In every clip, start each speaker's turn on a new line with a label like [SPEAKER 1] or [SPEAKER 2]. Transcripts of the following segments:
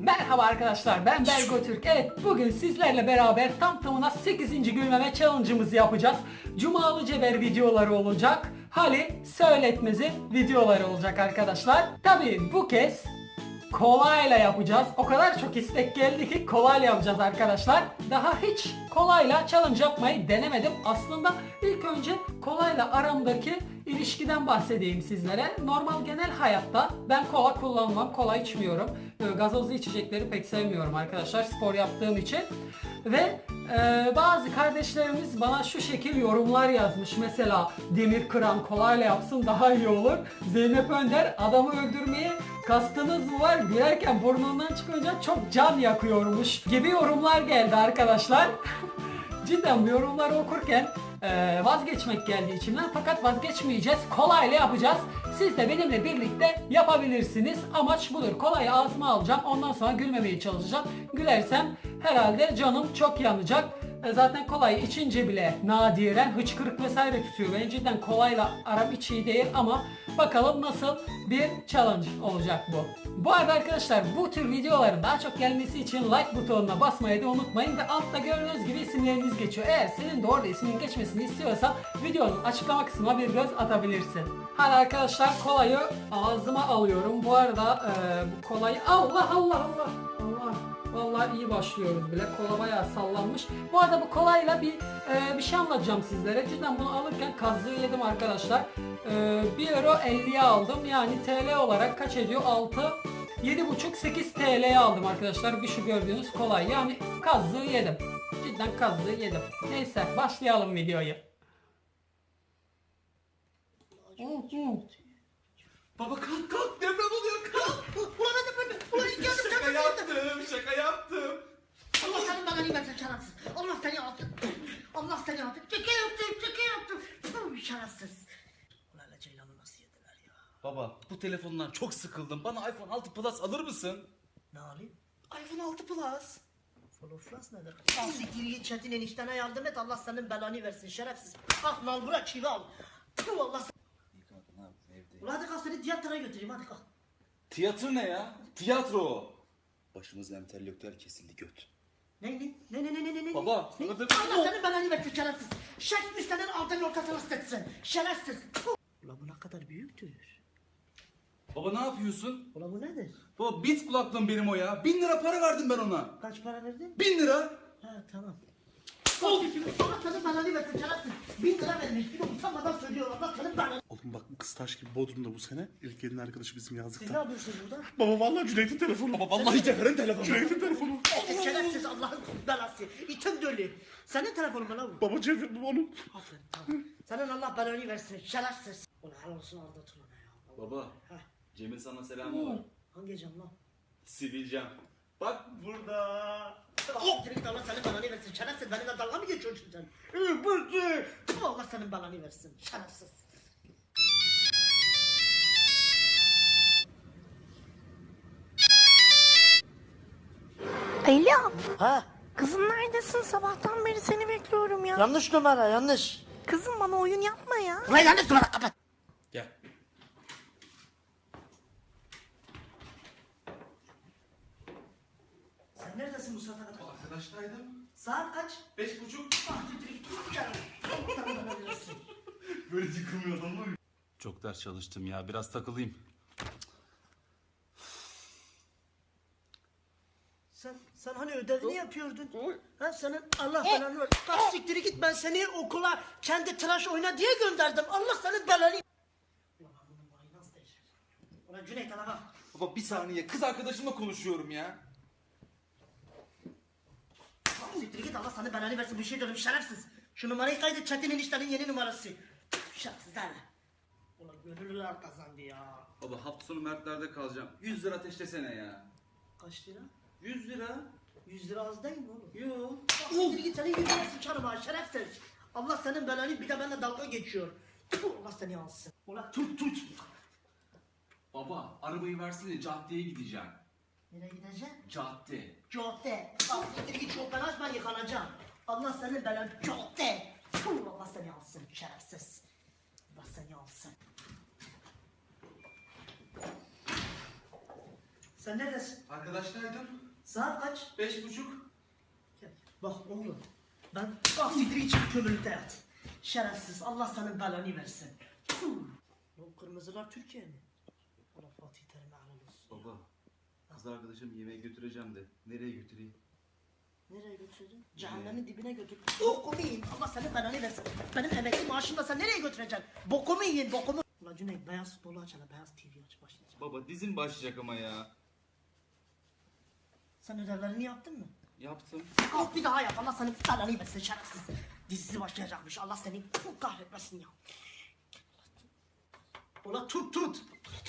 [SPEAKER 1] Merhaba arkadaşlar, ben Bergo Türk. Evet, bugün sizlerle beraber tam tamına 8. gülmeme challenge'ımızı yapacağız. Cumalı Ceber videoları olacak. Hali Söyletmez'in videoları olacak arkadaşlar. Tabii bu kez kolayla yapacağız. O kadar çok istek geldi ki kolayla yapacağız arkadaşlar. Daha hiç kolayla challenge yapmayı denemedim. Aslında ilk önce kolayla aramdaki ilişkiden bahsedeyim sizlere. Normal genel hayatta ben kola kullanmam, kola içmiyorum. Gazozlu içecekleri pek sevmiyorum arkadaşlar spor yaptığım için. Ve bazı kardeşlerimiz bana şu şekil yorumlar yazmış. Mesela demir kıran kolayla yapsın daha iyi olur. Zeynep Önder, adamı öldürmeye kastınız mı var? Gülerken burnundan çıkınca çok can yakıyormuş gibi yorumlar geldi arkadaşlar. Cidden bu yorumları okurken vazgeçmek geldi içimden, fakat vazgeçmeyeceğiz, kolayla yapacağız. Siz de benimle birlikte yapabilirsiniz. Amaç budur. Kolayı ağzıma alacağım, ondan sonra gülmemeye çalışacağım. Gülersem herhalde canım çok yanacak. Zaten kolayı içince bile nadiren hıçkırık vesaire tutuyor. Ben cidden kolayla aram hiç iyi değil ama bakalım nasıl bir challenge olacak bu. Bu arada arkadaşlar, bu tür videoların daha çok gelmesi için like butonuna basmayı da unutmayın ve altta gördüğünüz gibi isimleriniz geçiyor. Eğer senin de orada isminin geçmesini istiyorsan videonun açıklama kısmına bir göz atabilirsin. Hadi arkadaşlar, kolayı ağzıma alıyorum. Bu arada bu kolayı Allah. Vallahi iyi başlıyoruz bile. Kola bayağı sallanmış. Bu arada bu kolayla bir şey anlatacağım sizlere. Cidden bunu alırken kazığı yedim arkadaşlar. 1 euro 50'ye aldım. Yani TL olarak kaç ediyor? 7,5-8 TL'ye aldım arkadaşlar. Bir şu gördüğünüz kolay. Yani kazığı yedim. Cidden kazığı yedim. Neyse, başlayalım videoyu.
[SPEAKER 2] Baba kalk deprem oluyor kalk.
[SPEAKER 3] Ulan hadi ulan
[SPEAKER 2] Şaka yaptım.
[SPEAKER 3] Allah senin belanı versin şerefsiz. Allah seni alsın. Allah seni alsın. Şaka yaptım. Puh, şerefsiz. Ulan hele Ceylan'ı nasıl yediler ya?
[SPEAKER 2] Baba bu telefondan çok sıkıldım. Bana iPhone 6 Plus alır mısın?
[SPEAKER 3] Ne alayım?
[SPEAKER 2] iPhone 6 Plus.
[SPEAKER 3] Floflas nedir? Al siktir git Çetin eniştene yardım et. Allah senin belanı versin şerefsiz. Kalk mal bırak çivi al. Puh, Allah sen... Ulan hadi kalk seni tiyatroya götüreyim hadi kalk.
[SPEAKER 2] Tiyatro ne ya? Tiyatro o. Başımız entelektüel kesildi göt.
[SPEAKER 3] Ne?
[SPEAKER 2] Baba,
[SPEAKER 3] Ne?
[SPEAKER 2] sana da-
[SPEAKER 3] Allah senin belanı versin şerefsiz. Şerefsiz senin altın ortasına sıçsın. Şerefsiz. Puh. Ulan bu ne kadar büyüktür.
[SPEAKER 2] Baba ne yapıyorsun?
[SPEAKER 3] Ulan bu nedir?
[SPEAKER 2] Baba bit kulaklığım benim o ya. 1000 lira para verdim ben ona.
[SPEAKER 3] Kaç para verdin?
[SPEAKER 2] 1000 lira.
[SPEAKER 3] Ha tamam. Allah senin belanı versin şerefsiz. 1000 lira vermiş. Bir de utanmadan söylüyor. Allah senin belanı.
[SPEAKER 4] Oğlum bak bu kız taş gibi Bodrum'da bu sene. İlk elin arkadaşı bizim
[SPEAKER 3] Siz ne
[SPEAKER 4] yazlıkta.
[SPEAKER 3] yapıyorsunuz burada?
[SPEAKER 4] Baba vallahi Cüneyt'in telefonu.
[SPEAKER 2] Baba vallahi Cevher'in telefonu.
[SPEAKER 4] Cüneyt'in telefonu.
[SPEAKER 3] Şerefsiz Allah'ın belası. İtin dölü. Senin telefonun mu lan bu?
[SPEAKER 4] Baba Cevher'in onun.
[SPEAKER 3] Aferin tamam. Senin Allah belanı versin şerefsiz. Ulan helal olsun aldatın ona ya.
[SPEAKER 2] Baba
[SPEAKER 3] Heh.
[SPEAKER 2] Cem'in sana selamı var.
[SPEAKER 3] Hangi cam lan?
[SPEAKER 2] Sivilcem. Bak burada.
[SPEAKER 3] Oh! Allah senin belanı versin şerefsiz. Benimle dalga mı geçiyorsun sen? Bırdı. Allah senin belanı versin şerefsiz.
[SPEAKER 5] Alo,
[SPEAKER 3] Ha?
[SPEAKER 5] kızım neredesin? Sabahtan beri seni bekliyorum ya.
[SPEAKER 3] Yanlış numara yanlış.
[SPEAKER 5] Kızım bana oyun yapma ya.
[SPEAKER 3] Ulan yanlış numara kapat.
[SPEAKER 2] Gel.
[SPEAKER 3] Sen neredesin bu saate kadar?
[SPEAKER 2] Arkadaştaydım.
[SPEAKER 3] Saat kaç?
[SPEAKER 2] 5.30.
[SPEAKER 3] Sana versin.
[SPEAKER 2] Böyle yıkılmıyor adam mı? Çok ders çalıştım ya. Biraz takılayım.
[SPEAKER 3] Sen hani ödevini yapıyordun? Ha senin Allah belanı ver. Kalk siktiri git, ben seni okula kendi tıraş oyna diye gönderdim. Allah senin belanı. Ulan ben bunun parayı nasıl değiştireceğim? Ulan Cüneyt ana bak.
[SPEAKER 2] Baba bir saniye. Kız arkadaşımla konuşuyorum ya.
[SPEAKER 3] Kalk siktiri git, Allah sana belanı versin. Bir şey diyorum şerefsiz. Şu numarayı kaydet, Çetin eniştenin yeni numarası. Şerefsiz hala. Ulan gönüllüler kazandı ya.
[SPEAKER 2] Baba hafta sonu Mertler'de kalacağım. 100 lira ateşlesene ya.
[SPEAKER 3] Kaç lira?
[SPEAKER 2] 100 lira.
[SPEAKER 3] 100 lira az değil mi oğlum?
[SPEAKER 2] Yo.
[SPEAKER 3] Kalk siktiri git, senin yüzüne sıçarım ha şerefsiz. Allah senin belanı, bir de benimle dalga geçiyor. Tüh, Allah seni alsın. Ulan tut.
[SPEAKER 2] Baba arabayı versene, caddeye gideceğim.
[SPEAKER 3] Nereye gideceksin?
[SPEAKER 2] Cadde.
[SPEAKER 3] Cadde. Al siktir git, çok ben açma yıkanacağım. Allah senin belanı cadde. Tüh, Allah seni alsın şerefsiz. Allah seni alsın. Sen neredesin?
[SPEAKER 2] Arkadaşlardım.
[SPEAKER 3] Saat kaç?
[SPEAKER 2] 5.30.
[SPEAKER 3] Gel. Bak oğlum. Ben siktir için kömürlükte yat. Şerefsiz. Allah senin belanı versin. O kırmızılar Türkiye mi? Allah Fatih Terim'e helal olsun.
[SPEAKER 2] Baba, kız arkadaşım yemeğe götüreceğim de. Nereye götüreyim?
[SPEAKER 3] Nereye götüreceksin? Cehennemin dibine götür. Bokumu yiyin. Allah senin belanı versin. Benim emekli maaşımla sen nereye götüreceksin? Bokumu yiyin, bokumu. Ulan Cüneyt beyaz futbolu aç hele. Beyaz TV aç başlayacak.
[SPEAKER 2] Baba dizim başlayacak ama ya.
[SPEAKER 3] Sen ödevlerini yaptın mı?
[SPEAKER 2] Yaptım.
[SPEAKER 3] Kalk bir daha yap. Allah senin belanı versin şerefsiz. Dizisi başlayacakmış. Allah seni kahretmesin ya. Ulan tut.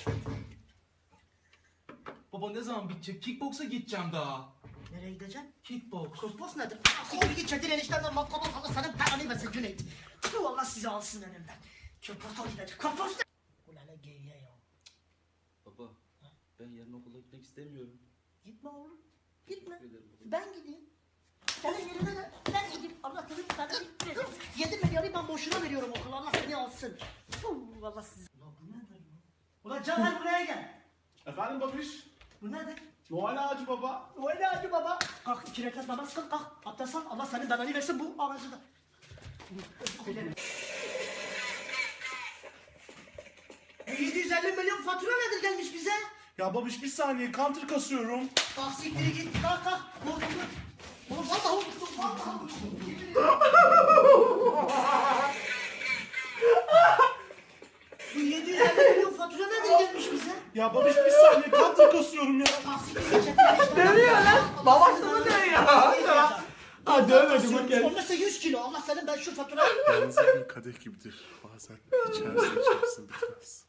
[SPEAKER 2] Baba ne zaman bitecek? Kickboksa gideceğim daha.
[SPEAKER 3] Nereye gideceksin?
[SPEAKER 2] Kickboks.
[SPEAKER 3] Kosmos nedir? Siktir git çetin eniştemden matkabı Allah senin belanı versin Cüneyt. Tüh Allah sizi alsın önümden. Köpata gidecek. Kosmos ne? Ulan ne geyiğe ya.
[SPEAKER 2] Baba, ben yarın okula gitmek istemiyorum.
[SPEAKER 3] Gitme oğlum. Gitme.
[SPEAKER 2] Teşekkür ederim.
[SPEAKER 3] Ben gideyim. Senin yerine de ben gideyim. Allah senin belanı versin. 7 milyarı ben boşuna veriyorum okula. Allah seni alsın. Tüh Allah sizi. Ulan bu nedir lan? Ulan Caner buraya gel.
[SPEAKER 4] Efendim babiş?
[SPEAKER 3] Bu nedir?
[SPEAKER 4] Noel ağacı baba.
[SPEAKER 3] Öyle hadi baba. Kalk 2 rekat namaz kıl kalk. Abdest al. Allah senin belanı versin bu ağacı da. E 750 milyon fatura nedir gelmiş bize?
[SPEAKER 4] Ya babiş bir saniye counter kasıyorum.
[SPEAKER 3] Kalk siktiri git. Kalk. Vurdum. Oğlum vallahi vurdum. Vallahi vurdum. Bu 750 milyon fatura nedir gelmiş bize?
[SPEAKER 4] Ya babiş bir saniye counter kasıyorum ya.
[SPEAKER 3] Kalk siktiri git. Dövüyor
[SPEAKER 1] lan. Babasını dövüyor. Ha dövmedim bak gel.
[SPEAKER 3] Olmazsa 100 kilo. Allah senin ben şu faturayı...
[SPEAKER 4] Yalnız bir kadeh gibidir. Bazen içersin bitmez.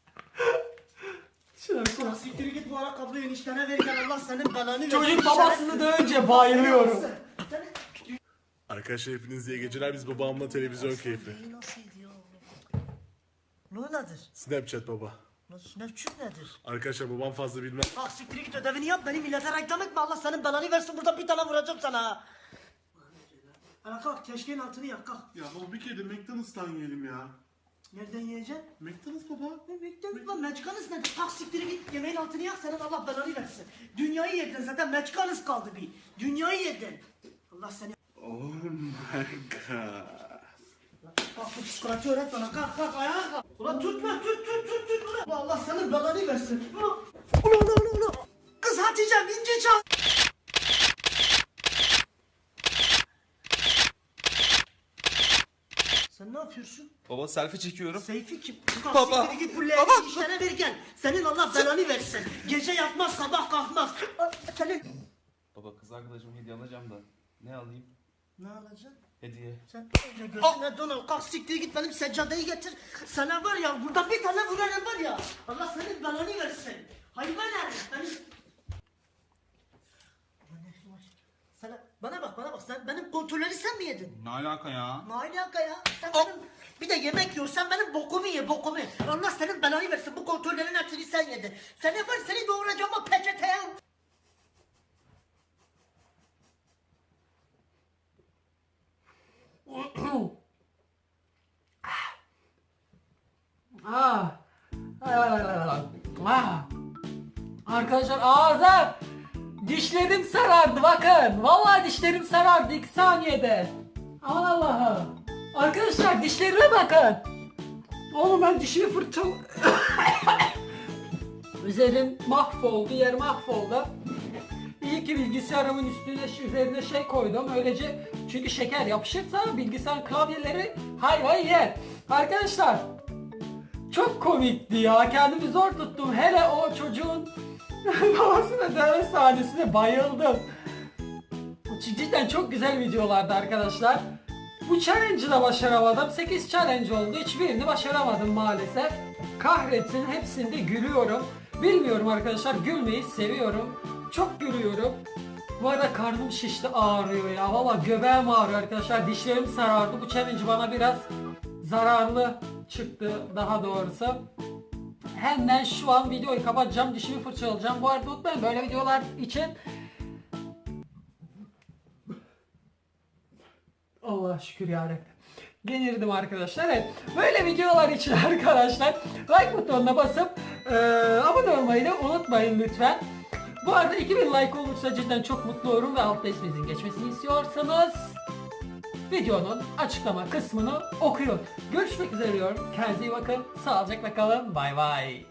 [SPEAKER 3] Kalk siktiri git bu ayakkabıyı eniştene ver gel. Allah senin belanı versin.
[SPEAKER 1] Çocuk babasını dövünce bayılıyorum.
[SPEAKER 4] Arkadaşlar hepiniz iyi geceler. Biz babamla televizyon keyfi.
[SPEAKER 3] Nasıl ediyor? Ne nedir?
[SPEAKER 4] Snapchat baba.
[SPEAKER 3] Snapchat nedir?
[SPEAKER 4] Arkadaşlar babam fazla bilmez.
[SPEAKER 3] Kalk siktir git ödevini yap beni millete reklam etme Allah senin belanı versin burada bir tane vuracağım sana ha. Ana kalk keşkeğin altını yak kalk.
[SPEAKER 4] Ya baba bir kere de McDonald's'tan yiyelim ya.
[SPEAKER 3] Nereden yiyeceksin?
[SPEAKER 4] McDonald's baba.
[SPEAKER 3] McDonald's lan Meçkanız nedir? Kalk siktir git yemeğin altını yak senin Allah belanı versin. Dünyayı yedin zaten Meçkanız kaldı bir. Dünyayı yedin. Allah seni...
[SPEAKER 4] Oh my god.
[SPEAKER 3] Kalk bu psikoloji öğret bana kalk ayağa kalk. Ulan tut lan tut ulan. Allah senin belanı versin. Ulan. Kız Hatice'm ince çal. Sen ne yapıyorsun?
[SPEAKER 2] Baba selfie çekiyorum.
[SPEAKER 3] Seyfi kim?
[SPEAKER 2] Baba.
[SPEAKER 3] Siktir git bu leğeni işlere ver gel. Senin Allah belanı versin. Gece yatmaz sabah kalkmaz. Senin...
[SPEAKER 2] Baba kız arkadaşıma hediye alacağım da. Ne alayım?
[SPEAKER 3] Ne alacaksın?
[SPEAKER 2] Hediye.
[SPEAKER 3] Sen önce gözüne donal kalk siktir git benim seccadeyi getir. Sana var ya burada bir tane vuranım var ya. Allah senin belanı versin. Hayvan herif benim... Sana, bana bak sen benim kontrolleri sen mi yedin?
[SPEAKER 2] Ne alaka ya?
[SPEAKER 3] Ne alaka ya? Sen benim bir de yemek yiyorsan benim bokumu ye bokumu. Allah senin belanı versin bu kontrollerin hepsini sen yedin. Sen yapar seni doğuracağım o peçeteye.
[SPEAKER 1] Arkadaşlar ağzım, dişlerim sarardı bakın. Vallahi dişlerim sarardı 2 saniyede. Aman Allah'ım. Arkadaşlar dişlerime bakın. Oğlum ben dişimi fırçal... Üzerim mahvoldu, yer mahvoldu. İyi ki bilgisayarımın üzerine şey koydum. Öylece çünkü şeker yapışırsa bilgisayar klavyeleri hayvayı yer. Arkadaşlar çok komikti ya. Kendimi zor tuttum. Hele o çocuğun babasına dövme sahnesine bayıldım. Cidden çok güzel videolardı arkadaşlar. Bu challenge'ı da başaramadım. 8 challenge oldu. Hiçbirini başaramadım maalesef. Kahretsin hepsinde gülüyorum. Bilmiyorum arkadaşlar gülmeyi seviyorum. Çok gülüyorum. Bu arada karnım şişti ağrıyor ya. Valla göbeğim ağrıyor arkadaşlar. Dişlerim sarardı. Bu challenge bana biraz zararlı çıktı daha doğrusu. Hemen şu an videoyu kapatacağım. Dişimi fırçalayacağım. Bu arada unutmayın böyle videolar için Allah şükür yarabbim. Genirdim arkadaşlar. Evet. Böyle videolar için arkadaşlar like butonuna basıp abone olmayı da unutmayın lütfen. Bu arada 2000 like olursa cidden çok mutlu olurum ve altta isminizin geçmesini istiyorsanız videonun açıklama kısmını okuyun. Görüşmek üzere diyorum. Kendinize iyi bakın. Sağlıcakla kalın. Bay bay.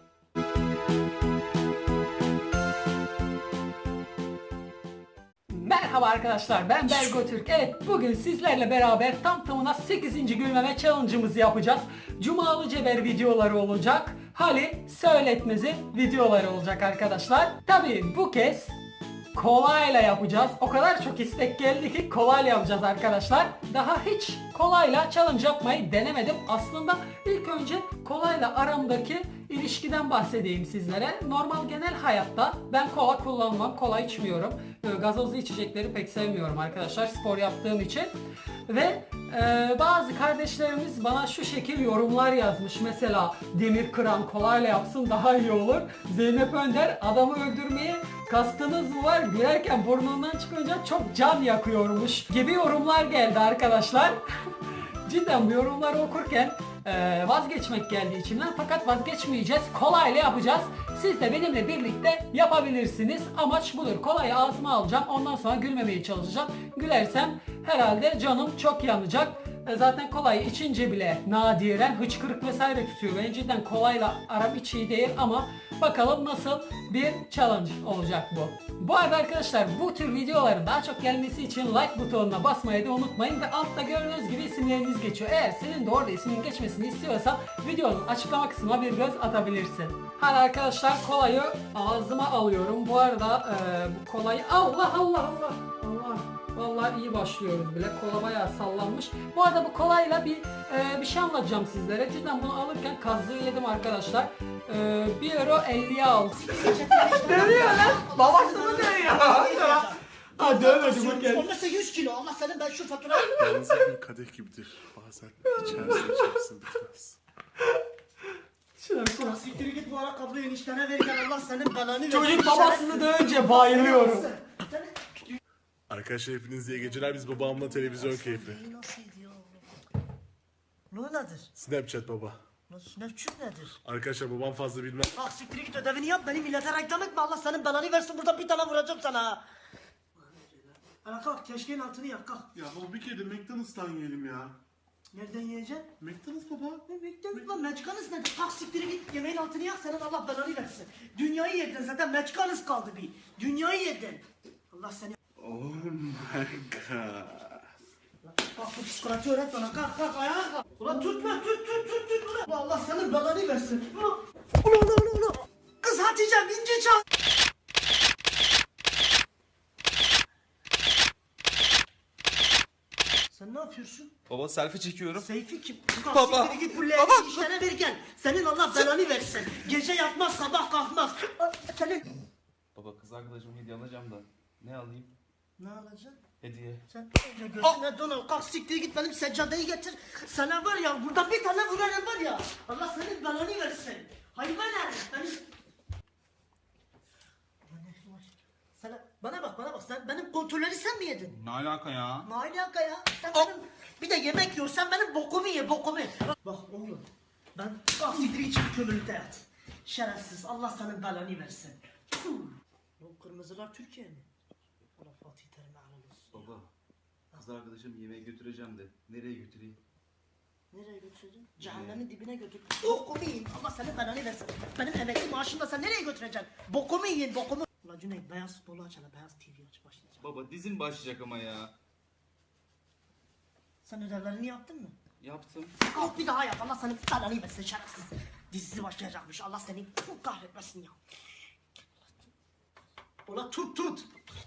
[SPEAKER 1] Merhaba arkadaşlar, ben Bergo Türk. Evet, bugün sizlerle beraber tam tamına 8. gülmeme challenge'ımızı yapacağız. Cumalı Ceber videoları olacak. Hali Söyletmez'in videoları olacak arkadaşlar. Tabii bu kez kolayla yapacağız. O kadar çok istek geldi ki kolayla yapacağız arkadaşlar. Daha hiç kolayla challenge yapmayı denemedim. Aslında ilk önce kolayla aramdaki ilişkiden bahsedeyim sizlere. Normal genel hayatta ben kola kullanmam, kola içmiyorum. Gazozlu içecekleri pek sevmiyorum arkadaşlar spor yaptığım için. Ve bazı kardeşlerimiz bana şu şekil yorumlar yazmış. Mesela demir kıran kolayla yapsın daha iyi olur. Zeynep Önder adamı öldürmeye kastınız mı var? Gülerken burnundan çıkınca çok can yakıyormuş gibi yorumlar geldi arkadaşlar. Cidden bu yorumları okurken vazgeçmek geldi içimden, fakat vazgeçmeyeceğiz. Kolayla yapacağız. Siz de benimle birlikte yapabilirsiniz. Amaç budur. Kolayı ağzıma alacağım. Ondan sonra gülmemeye çalışacağım. Gülersem herhalde canım çok yanacak. Zaten kolayı içince bile nadiren hıçkırık vesaire tutuyor. Benim cidden kolayla aram hiç iyi değil ama bakalım nasıl bir challenge olacak bu. Bu arada arkadaşlar bu tür videoların daha çok gelmesi için like butonuna basmayı da unutmayın ve altta gördüğünüz gibi isimleriniz geçiyor. Eğer senin de orada isminin geçmesini istiyorsan videonun açıklama kısmına bir göz atabilirsin. Hadi arkadaşlar kolayı ağzıma alıyorum. Bu arada bu kolayı Allah. Vallahi iyi başlıyoruz bile. Kola bayağı sallanmış. Bu arada bu kolayla bir şey anlatacağım sizlere. Cidden bunu alırken kazığı yedim arkadaşlar. 1 euro 50'ye aldım. Dövüyor lan. Babasını dövüyor. Ha dövmedi bu kez.
[SPEAKER 3] Olmazsa 100 kilo. Allah senin ben şu faturayı...
[SPEAKER 4] Yalnız bir kadeh gibidir. Bazen içersin bitmez.
[SPEAKER 1] Şuna.
[SPEAKER 3] Siktir git bu ayakkabıyı eniştene verirken Allah senin belanı versin.
[SPEAKER 1] Çocuk babasını dövünce bayılıyorum.
[SPEAKER 4] Arkadaşlar hepiniz iyi geceler. Biz babamla televizyon keyfi.
[SPEAKER 3] Nasıl ediyor? Ne nedir?
[SPEAKER 4] Snapchat baba.
[SPEAKER 3] Snapchat nedir?
[SPEAKER 4] Arkadaşlar babam fazla bilmez.
[SPEAKER 3] Ah siktir git ödevini yap beni millete reklam etme Allah senin belanı versin burada bir tane vuracağım sana. Ana kalk keşkeğin altını yak kalk.
[SPEAKER 4] Ya baba bir kere de McDonald's'tan yiyelim ya.
[SPEAKER 3] Nereden yiyeceksin?
[SPEAKER 4] McDonald's baba.
[SPEAKER 3] Meçkanız nedir? Kalk siktir git yemeğin altını yak senin Allah belanı versin. Dünyayı yedin zaten meçkanız kaldı bir. Dünyayı yedin. Allah seni...
[SPEAKER 4] Oh my god.
[SPEAKER 3] Kalk bu psikoloji öğret bana kalk ayağa kalk. Ulan tutma tut ulan. Allah senin belanı versin. Ulan. Kız Hatice'm ince çal. Sen ne yapıyorsun?
[SPEAKER 2] Baba selfie çekiyorum.
[SPEAKER 3] Seyfi kim?
[SPEAKER 2] Baba.
[SPEAKER 3] Siktir git bu leğeni işlere verirken. Senin Allah belanı versin. Gece yatmaz sabah kalkmaz. Senin...
[SPEAKER 2] Baba kız arkadaşım hediye alacağım da. Ne alayım?
[SPEAKER 3] Ne alacaksın?
[SPEAKER 2] Hediye.
[SPEAKER 3] Sen önce gözüne donal kalk siktir git benim seccadeyi getir. Sana var ya burada bir tane vurarım var ya. Allah senin belanı versin. Hayvan herif benim... Sana, bana bak sen benim kontrolleri sen mi yedin?
[SPEAKER 2] Ne alaka ya?
[SPEAKER 3] Ne alaka ya? Sen benim bir de yemek yiyorsan benim bokumu ye bokumu. Bak oğlum ben kalk siktir git kömürlükte yat. Şerefsiz Allah senin belanı versin. Bu kırmızılar Türkiye mi? Allah Fatih Terim'e helal olsun.
[SPEAKER 2] Baba. Kız arkadaşım yemeğe götüreceğim de. Nereye götüreyim?
[SPEAKER 3] Nereye götüreceksin? Cehennemin dibine götür. Bokumu yiyin. Allah senin belanı versin. Benim emekli maaşımla sen nereye götüreceksin? Bokumu yiyin bokumu. Ulan Cüneyt beyaz futbolu aç hele. Beyaz TV aç başlayacak.
[SPEAKER 2] Baba dizin başlayacak ama ya.
[SPEAKER 3] Sen ödevlerini yaptın mı?
[SPEAKER 2] Yaptım.
[SPEAKER 3] Kalk bir daha yap. Allah senin belanı versin şerefsiz. Dizisi başlayacakmış. Allah seni kahretmesin ya. Ulan tut.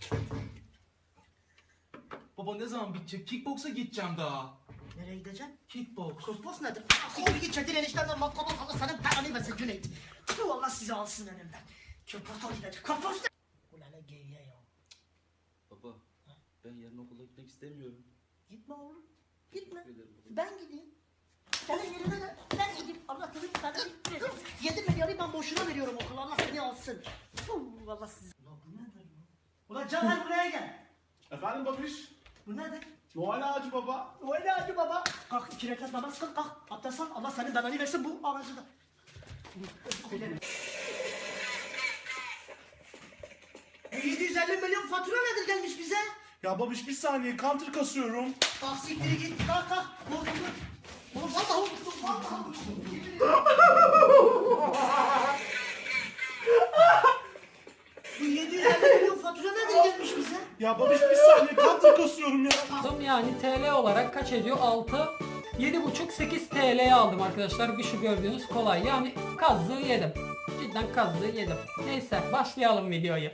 [SPEAKER 2] Baba ne zaman bitecek? Kickboksa gideceğim daha.
[SPEAKER 3] Nereye gideceksin?
[SPEAKER 2] Kickboks.
[SPEAKER 3] Kosmos nedir? Siktir git çetin eniştemden matkabı Allah senin belanı versin Cüneyt. Tüh Allah sizi alsın elimden. Köpata gidecek. Kosmos ne? Ulan ne geyiğe ya.
[SPEAKER 2] Baba ben yarın okula gitmek istemiyorum.
[SPEAKER 3] Gitme oğlum. Gitme.
[SPEAKER 2] Teşekkür ederim.
[SPEAKER 3] Ben gideyim. Senin yerine de ben gideyim. Allah senin belanı versin. 7 milyarı ben boşuna veriyorum okula. Allah seni alsın. Tüh Allah sizi. Ulan bu nedir lan? Ulan Caner buraya gel.
[SPEAKER 4] Efendim babiş?
[SPEAKER 3] Bu nedir?
[SPEAKER 4] Noel ağacı baba.
[SPEAKER 3] Öyle hadi baba. Kalk 2 rekat namaz kıl kalk. Abdest al. Allah senin belanı versin bu aracı da. Bu 750 milyon fatura nedir gelmiş bize?
[SPEAKER 4] Ya babiş bir saniye counter kasıyorum.
[SPEAKER 3] Kalk siktiri git. Kalk kalk. Oğlum vallahi unuttum. Vallahi unuttum. Bu 750 milyon fatura nedir gelmiş bize?
[SPEAKER 4] Ya babiş bir saniye counter kasıyorum ya.
[SPEAKER 1] Aldım yani TL olarak kaç ediyor? 6, 7,5, 8 TL'ye aldım arkadaşlar. Bir şu gördüğünüz kolay. Yani kazığı yedim. Cidden kazığı yedim. Neyse başlayalım videoyu.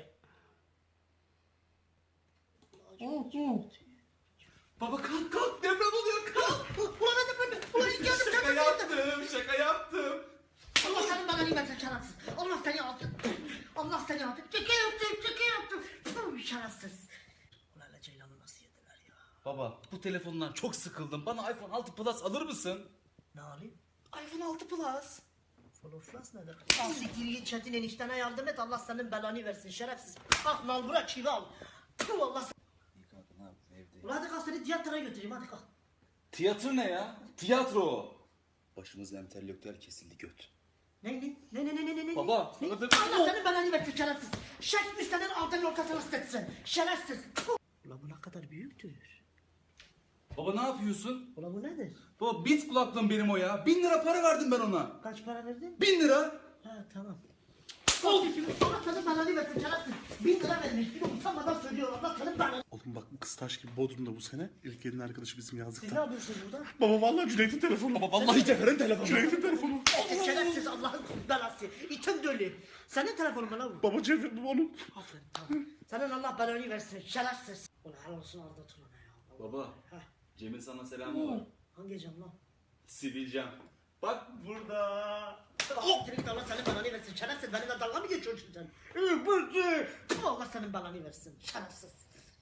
[SPEAKER 2] Baba kalk kalk deprem oluyor kalk.
[SPEAKER 3] Ulan hadi ben. Ulan geldim
[SPEAKER 2] Şaka
[SPEAKER 3] geldim.
[SPEAKER 2] yaptım şaka yaptım.
[SPEAKER 3] Allah senin bana nimetin şerefsiz. Allah seni alsın. Allah seni alsın. Çeke yaptım. Puh, şerefsiz. Ulan hele Ceylan'ı nasıl yediler ya?
[SPEAKER 2] Baba bu telefondan çok sıkıldım. Bana iPhone 6 Plus alır mısın?
[SPEAKER 3] Ne alayım?
[SPEAKER 2] iPhone 6 Plus.
[SPEAKER 3] Floflas nedir? Al siktir git Çetin eniştene yardım et. Allah senin belanı versin şerefsiz. Kalk mal bırak çivi al. Puh, Allah sen...
[SPEAKER 2] İyi kanka ne yaptın evde?
[SPEAKER 3] Ulan hadi kalk seni tiyatroya götüreyim hadi kalk.
[SPEAKER 2] Tiyatro ne ya? Tiyatro o. Başımızda entelektüel kesildi göt.
[SPEAKER 3] Ne?
[SPEAKER 2] Baba,
[SPEAKER 3] Ne?
[SPEAKER 2] sana da-
[SPEAKER 3] Allah senin belanı versin şerefsiz. Shakespeare'nin altın ortasını ısıtsın. Şerefsiz. Puh. Ulan bu ne kadar büyüktür.
[SPEAKER 2] Baba ne yapıyorsun?
[SPEAKER 3] Ulan bu nedir?
[SPEAKER 2] Baba bit kulaklığım benim o ya. 1000 lira para verdim ben ona.
[SPEAKER 3] Kaç para verdin?
[SPEAKER 2] 1000 lira.
[SPEAKER 3] Ha tamam. Allah senin belanı versin şerefsiz. 1000 lira vermiş. Bir de utanmadan söylüyor. Allah senin belanı.
[SPEAKER 4] Oğlum bak bu kız taş gibi Bodrum'da bu sene. İlker'in arkadaşı bizim
[SPEAKER 3] Siz ne
[SPEAKER 4] yazlıkta.
[SPEAKER 3] yapıyorsunuz burada?
[SPEAKER 4] Baba vallahi Cüneyt'in telefonu.
[SPEAKER 2] Baba vallahi Cevher'in telefonu.
[SPEAKER 4] Cüneyt'in telefonu.
[SPEAKER 3] Şerefsiz Allah'ın belası. İtin dölü. Senin telefonun mu lan bu?
[SPEAKER 4] Baba Cevher bu onun.
[SPEAKER 3] Aferin tamam. Senin Allah belanı versin şerefsiz. Ulan helal olsun Arda Turan'a ya.
[SPEAKER 2] Baba
[SPEAKER 3] Heh.
[SPEAKER 2] Cem'in sana selamı var.
[SPEAKER 3] Hangi cam lan?
[SPEAKER 2] Sivilcem. Bak burada.
[SPEAKER 3] Oh! Allah senin belanı versin şerefsiz. Benimle dalga mı geçiyorsun sen? Bırdı. Allah senin belanı versin şerefsiz.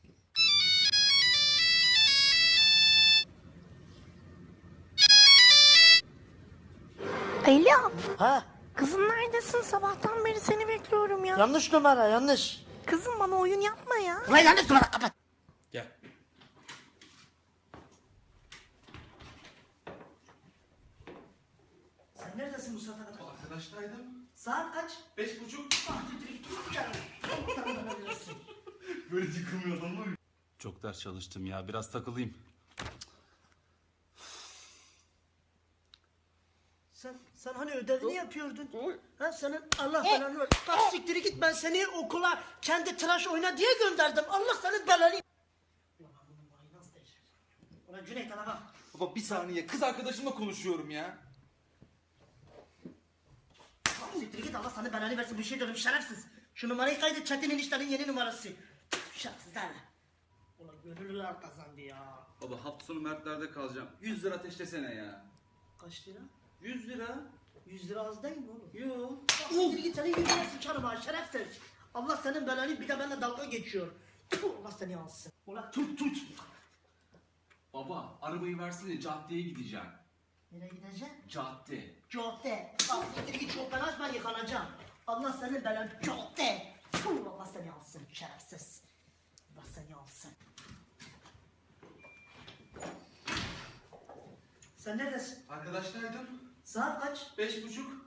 [SPEAKER 5] Alo.
[SPEAKER 3] Ha?
[SPEAKER 5] Kızım neredesin? Sabahtan beri seni bekliyorum ya.
[SPEAKER 3] Yanlış numara yanlış.
[SPEAKER 5] Kızım bana oyun yapma ya.
[SPEAKER 3] Ulan yanlış numara kapat.
[SPEAKER 2] Gel.
[SPEAKER 3] Sen neredesin bu saate kadar?
[SPEAKER 2] Arkadaştaydım.
[SPEAKER 3] Saat kaç?
[SPEAKER 2] 5.30.
[SPEAKER 3] Ah, Allah senin belanı versin.
[SPEAKER 2] Böyle yıkılmıyor adam mı? Çok ders çalıştım ya. Biraz takılayım.
[SPEAKER 3] Sen hani ödevini yapıyordun? Ha senin Allah belanı ver. Kalk siktiri git ben seni okula kendi tıraş oyna diye gönderdim. Allah senin belanı. Ulan bunun vay nasıl değişir? Ulan Cüneyt ana bak.
[SPEAKER 2] Baba bir saniye. Kız arkadaşımla konuşuyorum ya.
[SPEAKER 3] Kalk siktiri git Allah senin belanı versin bir şey diyorum şerefsiz. Şu numarayı kaydet Çetin eniştenin yeni numarası. Şerefsiz ha. Ulan gönüllüler kazandı ya.
[SPEAKER 2] Baba hafta sonu Mertler'de kalacağım. 100 lira ateşlesene ya.
[SPEAKER 3] Kaç lira?
[SPEAKER 2] 100 lira.
[SPEAKER 3] 100 lira az değil mi oğlum?
[SPEAKER 2] Yo.
[SPEAKER 3] Siktir git senin yüzüne sıçarım ha şerefsiz. Allah senin belanı bir de benimle dalga geçiyor. Tüh, Allah seni alsın. Ulan tut.
[SPEAKER 2] Baba arabayı versene caddeye gideceğim.
[SPEAKER 3] Nereye gideceksin?
[SPEAKER 2] Cadde.
[SPEAKER 3] Cadde. Bak siktir git çok ben açma yıkanacağım. Allah senin belanı cadde. Tüh, Allah seni alsın şerefsiz. Allah seni alsın. Sen neredesin?
[SPEAKER 2] Arkadaştaydım.
[SPEAKER 3] Saat kaç?
[SPEAKER 2] 5.30.